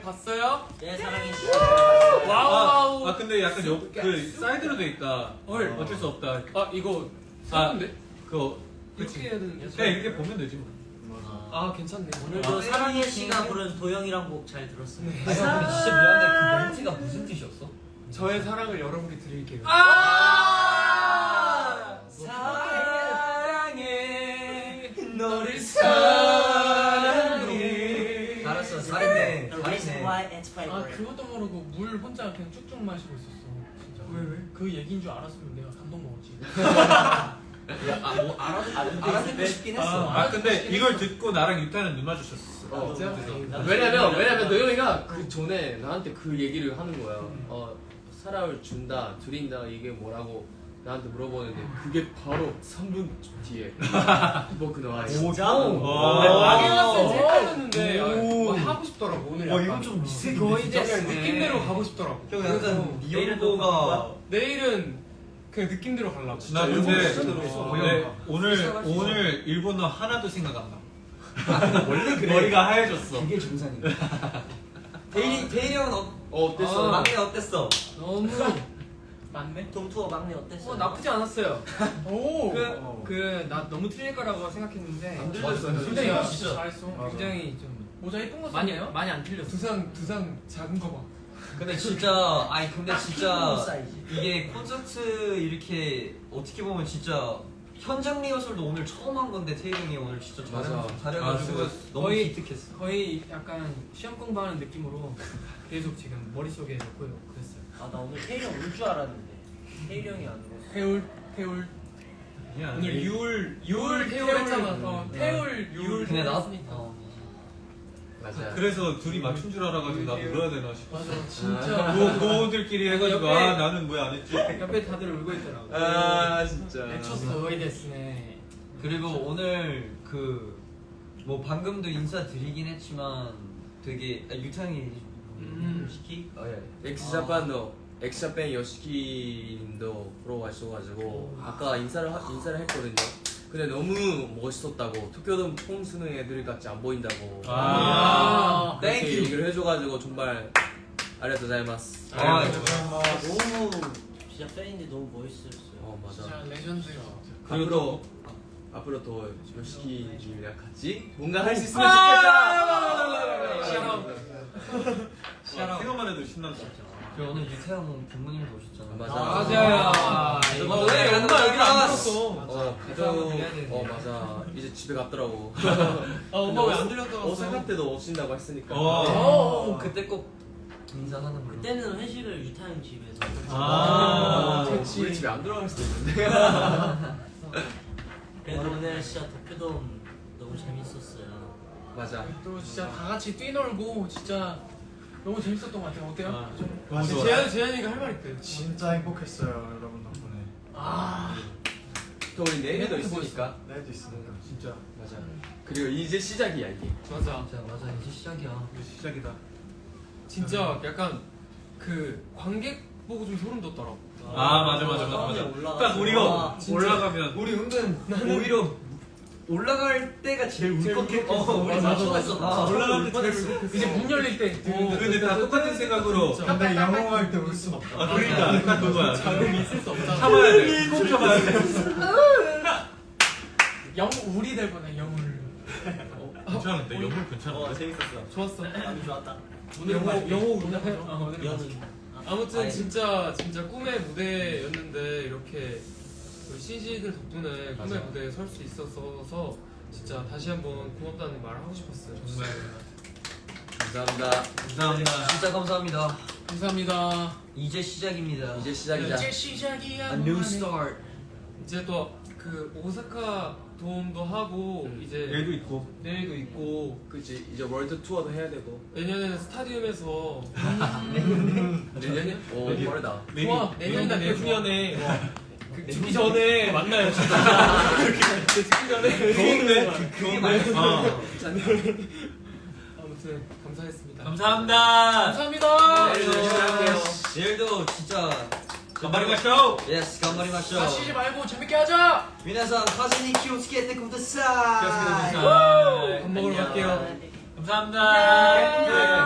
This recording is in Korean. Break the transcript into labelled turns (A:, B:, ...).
A: 봤어요?
B: 네, 사랑해.
A: 와우.
C: 아 근데 약간 그 사이드로 돼 있다.
A: 헐.
C: 어쩔 수 없다.
A: 아 이거 사는데?
C: 그거
A: 이렇게 해야 되는 게.
C: 그냥 이렇게 보면 되지 뭐.
A: 아 괜찮네.
B: 오늘도 사랑해 씨가 부른 도영이랑 곡 잘 들었어요.
D: 아니 근데 진짜 미안한데 그 멘트가 무슨 뜻이었어?
A: 저의 사랑을 여러분께 드릴게요. 사랑해 너를 사랑해.
D: 알았어 잘했네 잘했네.
A: 아 그것도 모르고 물 혼자 그냥 쭉쭉 마시고 있었어. 진짜. 왜? 그 얘기인 줄 알았으면 내가 감동 먹었지.
D: 야뭐 알아듣고 싶긴 했어.
C: 아 근데 이걸 듣고 나랑 유타는 눈 마주쳤어.
E: 왜냐면 노영이가 그 전에 나한테 그 얘기를 하는 거야. 사랑을 준다, 드린다 이게 뭐라고 나한테 물어보는데 그게 바로 3분 뒤에 뭐 나와.
B: 진짜?
A: 나게 갔을 때 헷갈렸는데 뭐 하고 싶더라고 오늘.
D: 이건 좀 미세게
A: 거의 이제 느낌대로 가고 싶더라고.
D: 형 약간 리얼도가
A: 내일은 그냥 느낌대로 가려고.
C: 나 근데
D: 진짜 들었어.
C: 오늘 일본어 하나도 생각 안 나.
D: 원래 그래.
C: 머리가 하얘졌어.
D: 그게 정상이야. 대일이 형은
E: 어땠어?
D: 막내 어땠어?
A: 너무 맞네.
B: 동투어 막내 어땠어?
A: 나쁘지 않았어요. 오.
F: 나 너무 틀릴 거라고 생각했는데
E: 안 들렸어요.
A: 근데
F: 진짜
A: 진짜 잘했어.
F: 굉장히 좀
A: 모자 예쁜 거
F: 많이
A: 썼네요.
F: 많이 안 틀렸어.
A: 두상 작은 거 봐.
D: 근데 진짜 근데 진짜
B: 사이즈.
D: 이게 콘서트 이렇게 어떻게 보면 진짜 현장 리허설도 오늘 처음 한 건데 태희 형이 오늘 진짜
E: 맞아.
D: 잘해가지고
C: 아,
D: 너무
F: 거의-
D: 기특했어.
F: 거의 약간 시험 공부하는 느낌으로 계속 지금 머릿속에 넣고 그랬어요.
B: 나 오늘 태일이 형 울 줄 알았는데 태일이 형이 안 울었어.
A: 태울.
C: 아니야.
A: 오늘 유울 태울 했잖아. 태울 유울.
D: 근데 나
E: 맞아.
C: 그래서 둘이 맞춘 줄 알아가지고 나 물어야 되나 싶어.
A: 맞아 진짜.
C: 노들끼리 해가지고
F: 옆에-
C: 나는 왜 안 했지?
F: 옆에 다들 울고 있더라고.
E: 진짜.
A: 미쳤어. 거의 됐네.
D: 그리고 오늘 그 뭐 방금도 인사드리긴 했지만 되게 유탕이 시키?
E: 엑스자팬 여시키님도 보러 가셔가지고 아까 인사를 했거든요. 근데 너무 멋있었다고 도쿄돔 총 쓰는 애들 같이 안 보인다고. 그렇게
D: 땡큐.
E: 얘기를 해줘가지고 정말 아리가토자이마스.
B: 너무 진짜 팬인데 너무 멋있었어요.
E: 맞아.
A: 진짜 레전드야.
E: 앞으로 더 여시키님이랑 같이 뭔가 할 수 있으면 좋겠다.
C: 생각만 해도 신난다.
D: 그리고 오늘 유태형 부모님도 오셨잖아.
E: 맞아.
A: 맞아요.
D: 오늘 엄마 여기 나왔어.
E: 맞아. 이제 집에 갔더라고.
A: 엄마 왜 안 들렸더라고.
E: 오사카 때도 오신다고 했으니까.
D: 그때 꼭 인사하는 걸로.
B: 그때는 회식을 유타 형 집에서.
E: 우리 집에 안 들어갈 수도 있는데.
B: 그래도 오늘 진짜 도쿄돔 너무 재밌었어요.
E: 맞아.
A: 또 진짜 다 같이 뛰놀고 진짜 너무 재밌었던 것 같아요. 어때요?
C: 맞아.
A: 재현이가 할 말 있대요.
G: 진짜 행복했어요 여러분 덕분에.
E: 또 우리 내일도 있으니까.
G: 내일도 있으니까.
C: 진짜
E: 맞아. 그리고 이제 시작이야 이게.
A: 맞아.
D: 맞아 이제 시작이야.
C: 이제 시작이다.
A: 진짜 약간 그 관객 보고 좀 소름 돋더라고.
C: 맞아. 딱 우리가 올라가면
D: 우리 은근 오히려 올라갈 때가 제일 울컥했어. 우리
A: 맞아.
D: 맞췄어.
C: 올라갈 때 제일
A: 이제 문 열릴 때.
C: 근데 다 똑같은 생각으로.
G: 근데 영웅할 때 울 순 없다.
C: 그러니까 딱 그거야.
A: 자금이 있을 수 없잖아.
C: 참아야 돼. 꼭 참아야 돼.
A: 영울이 될 뻔해 영울.
C: 괜찮은데 영물 괜찮은데.
E: 재밌었어.
A: 좋았어.
B: 아주 좋았다.
A: 오늘 영호 우리나 해.
B: 연은.
A: 아무튼 진짜 꿈의 무대였는데 이렇게 우리 CG들 덕분에 꿈의 무대에 설 수 있어서 진짜 다시 한번 고맙다는 말을 하고 싶었어요.
C: 정말
E: 감사합니다.
C: 감사합니다.
D: 진짜 감사합니다.
A: 감사합니다.
D: 이제 시작입니다.
E: 이제 시작이자.
A: 이제 시작이야.
D: A new start.
A: 이제 또 그 오사카 돔도 하고 이제
C: 얘도 있고.
A: 내일도 있고
E: 그치 이제 월드 투어도 해야 되고.
A: 내년에는 스타디움에서
E: 내년에? 오 빠르다.
A: 좋아 내년이나 내후년에 그 죽기 전에 만나요 진짜. 죽기 전에
C: 좋은데?
A: 아무튼 감사했습니다.
C: 감사합니다.
A: 감사합니다.
E: 내일 열심히 할게요.
D: 내일도 진짜
C: 간발이 가쇼.
D: 예스 간발이마쇼.
A: 다치지 말고 재밌게 하자.
D: 미나상 카즈니 키오스케테 쿠다사이.
A: 밥 먹으러 갈게요.
C: 감사합니다.